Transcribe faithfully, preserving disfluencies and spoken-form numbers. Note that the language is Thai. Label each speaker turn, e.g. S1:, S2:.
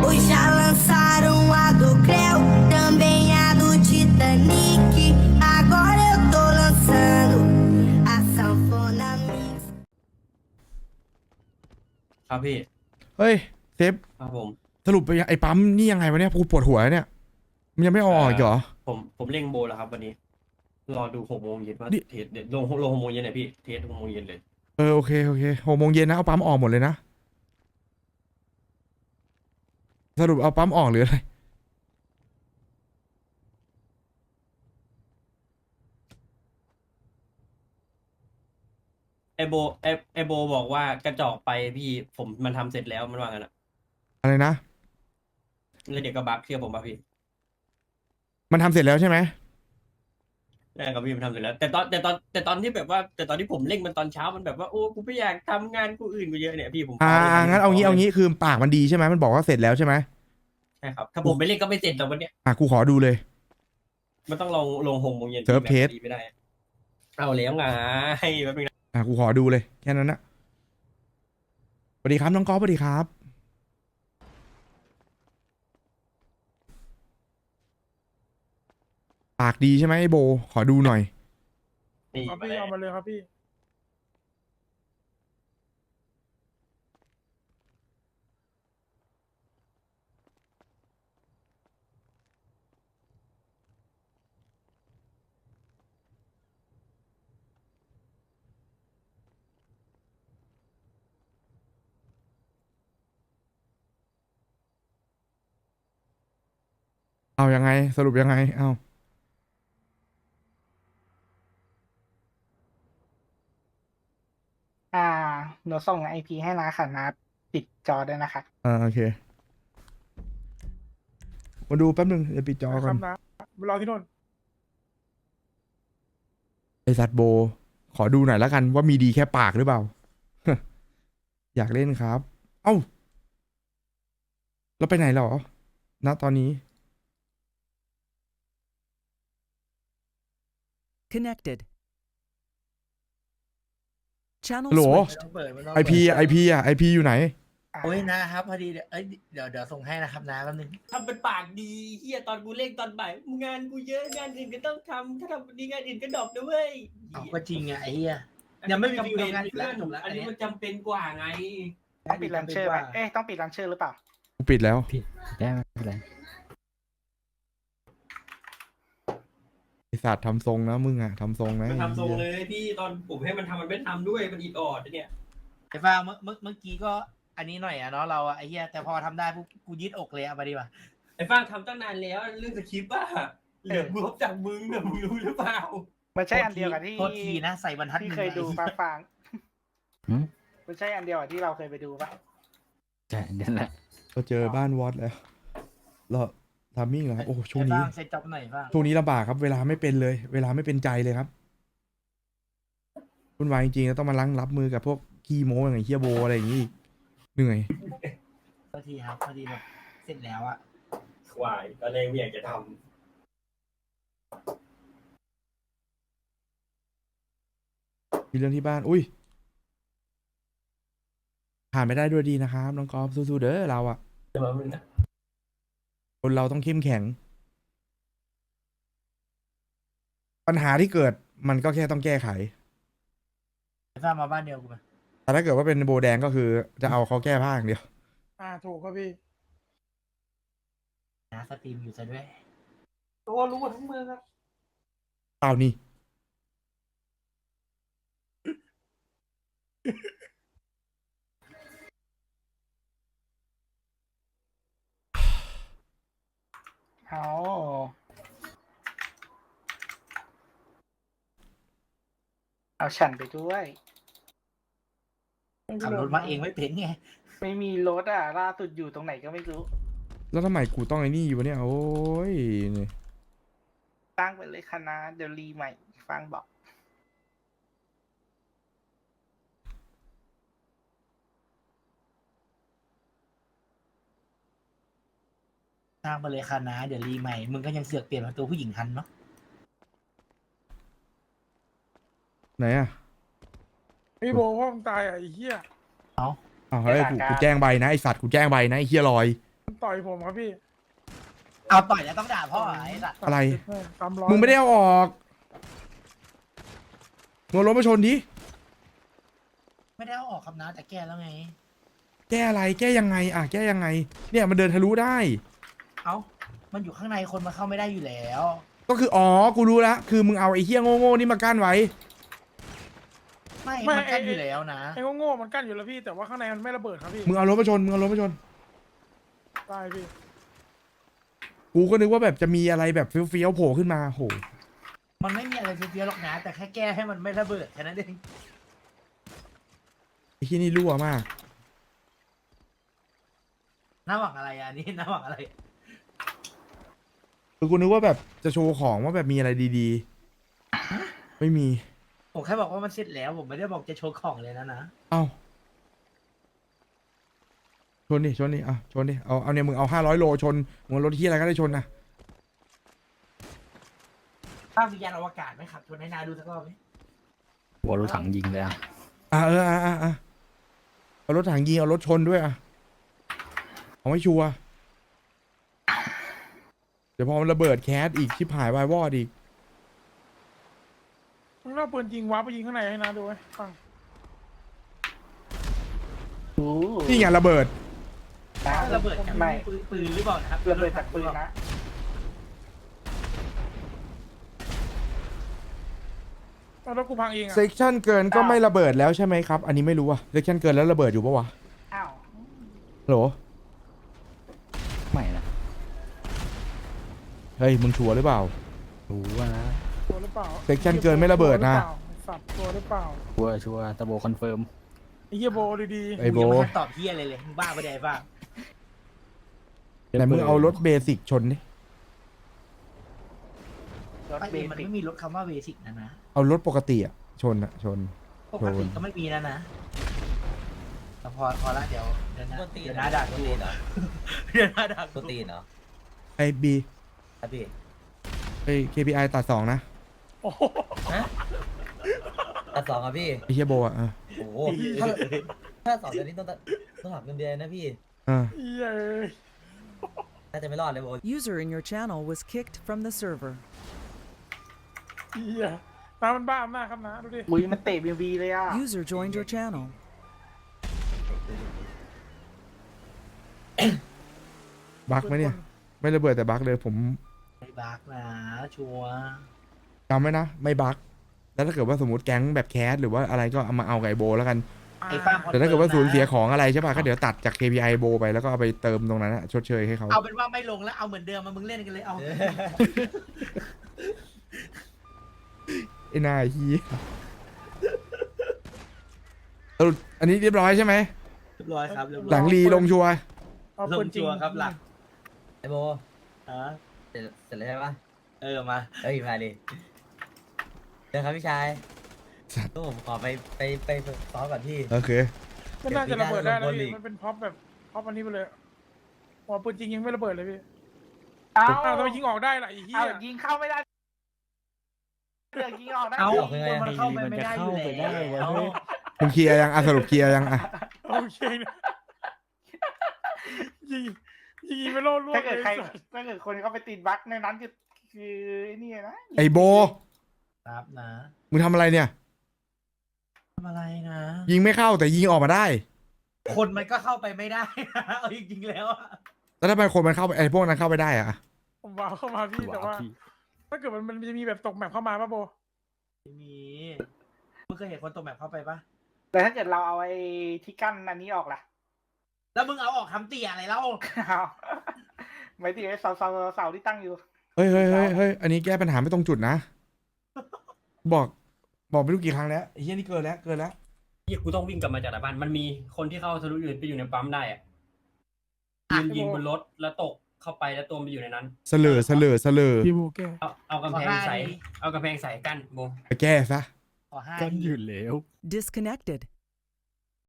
S1: Hoje já lançaram a do Creu, também a do Titanic. Agora eu tô lançando a sanfona mix.
S2: ครับพี่
S3: เฮ้ยเซฟ
S2: ครับผม
S3: สรุปไปไอ้ปั๊มนี่ยังไงวะเนี่ยกูปวดหัวเนี่ยมันยังไม่ออกอีกเหรอ
S2: ผมผมเร่งโบแล้วครับวันนี้ รอดูหกโมงเย็นว่า
S3: นี่
S2: เทสเดี๋ยวลงลงหกโมงเย็นเนี่ยพี่เทสหกโมงเย็นเลย
S3: เออโอเคโอเคหกโมงเย็นนะเอาปั๊มออกหมดเลยนะสรุปเอาปั๊มออกหรืออะไร
S2: ไอโบไอไอโบบอกว่ากระจอกไปพี่ผมมันทำเสร็จแล้วมันว่างั้นอะ
S3: อะไรนะ
S2: แล้วเดี๋ยวก็บักเชื่อผมป่ะพี่
S3: มันทำเสร็จแล้วใช่ไหม
S2: แรกกับพี่มันทำเสร็จแล้ว แต่ตอนแต่ตอนแต่ตอนที่แบบว่า แต่ตอนที่ผมเร่งมันตอนเช้ามันแบบว่าโอ้กูไม่อยากทำงานกูอื่นกูเยอะเนี่ยพี่ผม
S3: อ่า
S2: ฟ้ลย
S3: งั้นเอางี้
S2: ฟ้
S3: เอา
S2: ลย
S3: งี้คือปากมันดีใช่ไหมมันบอกว่าเสร็จแล้วใช่ไหม
S2: ใช่ครับถ้าผมไม่เร่งก็ไม่เสร็จแต่วันเนี้ย
S3: อ่ะกูขอดูเลย
S2: มันต้องลงลงหกโมงเย็น
S3: เซิร์ฟเทส
S2: แบบดีไม่ได้ เอาแล้วไงแป๊บนึงนะ
S3: อ่ะกูขอดูเลยแค่นั้นนะสวัสดีครับน้องก๊อฟสวัสดีครับปากดีใช่ไหมไอ้โบขอดูหน่อย
S2: นี่
S4: ครับ
S2: มา
S4: พี่
S2: แล้ว
S4: เอามาเลยครับพี่
S3: เอายังไงสรุปยังไงเอา
S5: อ่าหนูส่งไอพีให้นะค่ะนะปิดจอด้วยนะคะ
S3: อ่าโอเคมาดูแป๊บนึงเดี๋ยวปิดจอ
S4: ค
S3: ก่อ
S4: รั
S3: น
S4: บนะมารอที่โน่น
S3: ไอสัตว์โบ ขอดูหน่อยแล้วกันว่ามีดีแค่ปากหรือเปล่า อยากเล่นครับ เอ้าเราไปไหนเหรอณตอนนี้
S6: Connected. Channel
S3: ฮัลโหล
S6: switched.
S7: ต้องเปิดไม่ต้อง
S3: ไอพีไอพีอ่ะไอพีอยู่ไหน
S5: อ่า
S7: โอ้ยนะครับพอดีเดี๋ยวเอ้ยเดี๋ยวเดี๋ยวส่งให้นะครับนะแป๊บนึง
S2: ทำเป็นปากดีเฮียตอนกูเร่งตอนบ่ายงานกูเยอะงานอื่นก็ต้องทำถ้าทำดีงานอื่นก็ดรอปนะเว้ย
S7: เอาก็จริงอ่ะไอ้เหี้ย ยังไม่มี
S2: จำ
S7: ฟิว
S2: เป็น
S7: ทำงานอีก
S2: เพื่
S7: แล้ว
S2: อน
S7: จบแล้ว
S2: อันนี้
S7: อันเนี้ย
S2: มันจำเป็นกว่าไง
S5: ต้องปิดลันเชอร์ไหมเอ๊ะต้องปิดลันเชอร์หรือเปล่า
S3: กูปิดแล้ว
S8: ได้ไม่เป็นไร
S3: ไอสัตว์ทำทรงนะมึงอ่ะทำทรงนะ
S2: มันทำทรง
S3: ไอ้
S2: เล
S3: หี้
S2: ยพี่ตอนผมให้มันทำมันไม่ทำด้วยมันอีดออดเนี่ย
S7: ไอ้ฟ้าเมื่อเมื่อเมื่อกี้ก็อันนี้หน่อยอ่ะเนาะเราอ่ะไอ้เหี้ยแต่พอทำได้ปุ๊บกูยืดอกเลยเอามาดีกว่า
S2: ไอ้ฟ้างทำตั้งนานแล้วเรื่องสคริปต์อะเหลือบวบจากมึงอะมึงรู้หรือเปล่า
S5: มันใช่อันเดียวกับที่
S7: โทษทีนะใส่บรรทัด
S5: ที่
S7: หนึ่ง
S5: เคยดู
S7: ไอ้
S5: ปะฟัง
S8: หืม
S5: มันใช่อันเดียวกับที่เราเคยไปดูปะ
S8: ใช่นั่นแหละ
S3: เราเจอบ้านวอดแล้วเราทามมิ่งเหรอครับโอ้ช่วง
S7: ไอ้
S3: นี้
S7: ฟ้าเซ็ตจ็อบหน่อยฟ้า
S3: ช่วงนี้ลำบากครับ เวลาไม่เป็นเลย เวลาไม่เป็นใจเลยครับวุ่นวายจริงๆแล้วต้องมาลังรับมือกับพวกขี้โม้อย่างไอ้เฮียโบอะไรอย่างงี้อีกเหนื่อย
S7: โทษทีครับพอดีแบบเสร็จแล้วอ่ะ
S2: ควายตอนแรกไม่อยากจะท
S3: มีเรื่องที่บ้าน อุ้ย ผ่านไปได้ด้วยดีนะครับน้องกอล์ฟสู้ๆเด้อเราอะ
S2: ำแต่ว่ามัน
S3: คนเราต้องเข้มแข็ง ปัญหาที่เกิดมันก็แค่ต้องแก้ไข
S7: ไอ้ฟ้ามาบ้านเดียวกูมา
S3: แต่ถ้าเกิดว่าเป็นโบแดงก็คือจะเอาเขาแก้ผ้าอย่างเดียว
S4: อ่าถูกครับพี่
S7: นะสตรีมอยู่ซะด้วย
S4: ตัวรู้หมดทั้งเมืองครับ
S3: เปล่านี่
S5: เอาเอาฉันไปด้วย
S7: ขับรถมาเองไม่เป็นไง
S5: ไม่มีรถอ่ะล่าสุดอยู่ตรงไหนก็ไม่รู้
S3: แล้วทำไมกูต้องไอ้นี่อยู่วะเนี่ย โอ้ยนี่
S5: ตั้งไปเลยคณะเดี๋ยวรีใหม่ฟังบอก
S7: สร้างไปเลยค่ะนะเดี๋ยวรีใหม่ มึงก็ยังเสือกเปลี่ยนมาตัวผู้หญิงทันเนาะ
S3: ไหนอะ
S4: พี่โบพ่อมึงตายอ่ะไอ้เหี้ย
S7: เอา
S3: อ้าวเฮ้ยกูกูแจ้งใบนะไอสัตว์กูแจ้งใบนะไอเฮียลอย
S4: มันต่อยผมครับพี่
S7: เอาต่อยแล้วต้องด่าพ่อเหรอไอ้สัตว์
S3: อะไร
S4: แม่ตามร้อย
S3: มึงไม่ได้เอาออกมึงเอารถมาชนดิ
S7: ไม่ได้เอาออกคำนะแต่แก้แล้วไง
S3: แก้อะไร แก้ยังไง อ่ะ แก้ยังไง เนี่ยมันเดินทะลุได้
S7: เอ้ามันอยู่ข้างในคนมาเข้าไม่ได้อยู่แล้ว
S3: ก็คือ อ๋อ กูรู้ละ คือมึงเอาไอ้เหี้ยโง่ๆนี่มากั้นไว้
S7: ไม่
S4: ไม่
S7: มันกัน
S4: ไอ้
S7: อยู่แล้วนะ
S4: ไอ้โง่ๆมันกั้นอยู่แล้วพี่แต่ว่าข้างในมันไม่ระเบิดครับพี่
S3: มึงเอารถมาชน มึงเอารถมาชน
S4: ได้พี่
S3: กูก็นึกว่าแบบจะมีอะไรแบบเฟี้ยวๆโผล่ขึ้นมาโห
S7: มันไม่มีอะไรเฟี้ยวๆหรอกนะแต่แค่แก้ให้มันไม่ระเบิดแค่นั้นเอง
S3: ไอ้ที่นี่รั่วมาก
S7: น่าหวังอะไรอ่ะอันนี่น่าหวังอะไร
S3: คือกูนึกว่าแบบจะโชว์ของว่าแบบมีอะไรดีๆ ไม่มี
S7: ผมแค่บอกว่ามันเสร็จแล้วผมไม่ได้บอกจะโชว์ของเลยนะนะ
S3: เอ้า ชนดิ ชนดิ อ่ะ ชนดิ เอา เอาเนี่ยมึงเอาห้าร้อยโลชน มึงเอารถที่อะไรก็ได้ชนนะ
S7: ภาพวิญญาณอวกาศไหมครับชวนให้นาดูสักรอบไหม
S8: หัวรถถังยิงเลยอ่ะ
S3: อ่ะเอออ่ะอ่ะอ่ะเอารถถังยิงเอารถชนด้วยอ่ะเอาไม่ชัวร์เดี๋ยวพอมันระเบิดแคสอีกชิบหายวายวอดอีก
S4: มึงเอาปืนยิงว้าไปยิงข้างในให้นะดูไว้ฟัง
S3: นี่ไงระเบิด
S7: ระเบิดจาก
S5: ไม่
S7: ปืนปืนหรือเปล่านะครับ
S5: ระเบิดจากปืนนะ
S4: เอาแล้วกูพังเองอะ
S3: เซกชันเกินก็ไม่ระเบิดแล้วใช่ไหมครับ อันนี้ไม่รู้อะเซกชันเกินแล้วระเบิดอยู่ปะวะ
S5: อ้าว
S3: โหล
S8: ไม่นะ
S3: เฮ้ยมึงชัวร์หรือเปล่า
S8: รู้ว่านะ
S4: ตัวหรือเปล่า
S3: เซ็กชันเกินไม่ระเบิดนะ
S4: สับตัวหรือเปล่า
S8: ชัวร์ชัวร์ตะโบคอนเฟิร์ม
S4: ไอ้เหี้ยโบดี
S3: ไอ้โบ
S7: กูยังไม่ทันตอบเฮียอะไรเลยมึงบ้าไปะเดี๋ยวไอ้บ้า
S3: ไหนมึงเอารถเบสิกชนดิ
S5: รถ
S7: ไอ้
S5: เบ
S7: มัน
S5: สิก
S7: ไม่มีรถคำว่าเบสิกนะนะ
S3: เอารถปกติอะชนอะชน
S7: ปกติก็ไม่มีนะนะแต่พอพอละเดี๋ยวเดี๋ยวนะเดี๋ยวนะด่ากูเดี๋ยวนะด่ากู
S9: ตัวตีนเหรอ
S3: ไอบี
S9: ครับพี่
S3: ไอ เค พี ไอ ตัดสองนะ
S4: ๆ โอ้โห
S9: ฮะตัดสองครับพี่
S3: ไอเฮียโบอะเออ
S9: โอ้โหถ้าถ้าสองเดือนนี้ต้องตัดต้องหักเงินเดือนนะพี่
S3: เออ
S4: เหี้ยเอ้ย
S9: น่าจะไม่รอดเลยโบ
S6: User in your channel was kicked from the server.
S4: เหี้ยน้ำมันบ้าอำนาจครับนะดูดิ
S5: อุ้ยมันเตะบีบีเลยอ่ะ
S6: User joined your channel.
S3: บักไหมเนี่ย ไม่ระเบิดแต่บักเลยผม
S7: ไม่บักนะชัวร์
S3: จำไว้นะ ไม่บักแล้วถ้าเกิดว่าสมมติแก๊งแบบแคสหรือว่าอะไรก็เอามาเอาไก่โบแล้วกัน
S7: ไอ้ฟ้า
S3: แต่ถ้าเกิดว่าสูญเสียของอะไรใช่ป่ะก็เดี๋ยวตัดจาก เค พี ไอ โบไปแล้วก็เอาไปเติมตรงนั้นอะชดเชยให้เขา
S7: เอาเป็นว่าไม่ลงแล้วเอาเหมือนเดิมมามึงเล่นกันเลยเอา
S3: ไอ้นายฮียสรุปอันนี้เรียบร้อยใช่ไหม
S7: เรียบร้อยครับเรียบร้อย
S3: หลังรีลงชัวร์
S4: เอา
S7: ล
S4: ปื
S7: ง
S4: นจริง
S7: ชัวร์ครับหลัก
S9: ไอโบ
S7: อ่ะ
S9: เสร็จเสร็จแล้วใช่ปะ
S7: เออมา
S9: เอ้ยมาดิเดี๋ยวครับพี่ชายก็ผมขอไปไปไปซ้อมก่อนพี่
S3: โอเค
S4: มันน่าจะระเบิดได้นะ
S9: เดี๋ยวปี
S4: พี่
S9: หน้า
S4: มันเป็นพ็อปแบบพ็อปอันนี้ไปเลยหัวปืนจริงยิงไม่ระเบิดเลยพี่
S5: เอา
S4: อ้าวทำไมยิงออกได้ล่ะไอ้เหี้
S5: เอา
S4: ย
S5: ยิงเข้าไม่ได้เรื่องยิงออกได้
S7: เอา
S9: ออกยังไง
S7: คนมันเข้าไปไม่ได้อยู่แล้ว
S3: มึงเคลียร์ยังอ่ะสรุปเคลียร์ยังอ่ะ
S4: โอเคนะยิงยิงไปโลดล่วง
S5: ถ้าเกิด
S4: เลย
S5: ใคร
S4: สัส
S5: ถ้าเกิดคนเขาไปติดบั๊กในนั้นคือคือไอ้นี่นะ
S3: ไอโบ
S7: ครับนะ
S3: มึงทำอะไรเนี่ย
S7: ทำอะไรนะ
S3: ยิงไม่เข้าแต่ยิงออกมาได้
S7: คนมันก็เข้าไปไม่ได้นะเอาจริงๆแล้วอะ
S3: แล้วทำไมคนมันเข้าไปไอพวกนั้นเข้าไปได้อะ
S4: ผมว้าวเข้ามาพี่แต่ว่า ถ้าเกิดมันมันจะมีแบบตกแมปเข้ามาป่ะโบ
S7: ไม่มีมึงเคยเห็นคนตกแบบเข้าไปปะ
S5: แต่ถ้าเกิดเราเอาไอ้ที่กั้นอันนี้ออกล่ะ
S7: แล้วมึงเอาออกคำเตี่ยอะไรเล่า
S5: เอาไม่ติดไอ้เสาเสาเสาที่ตั้งอยู่
S3: เฮ้ยเฮ้ยเฮ้ยเฮ้ยอันนี้แก้ปัญหาไม่ตรงจุดนะ บอก บอกไม่รู้กี่ครั้งแล้วไอ้เหี้ยนี่เกินแล้วเกินแล้ว
S2: ยี่กูต้องวิ่งกลับมาจากหน้าบ้านมันมีคนที่เข้าทะลุอยู่ไปอยู่ในปั๊มได้อะยืนยิงบนรถแล้วตกเข้าไปแล้วตัวมันอยู่ในนั้น
S3: เสลอเสลอเสลอ
S4: พี่โบแก
S2: เอาเอากำแพงใส่เอากำแพงใส่กั้นโบ
S3: ไปแก้ซะ
S7: ขอห้า
S8: กัน
S7: ที
S8: อยู่แล้ว
S6: Disconnected.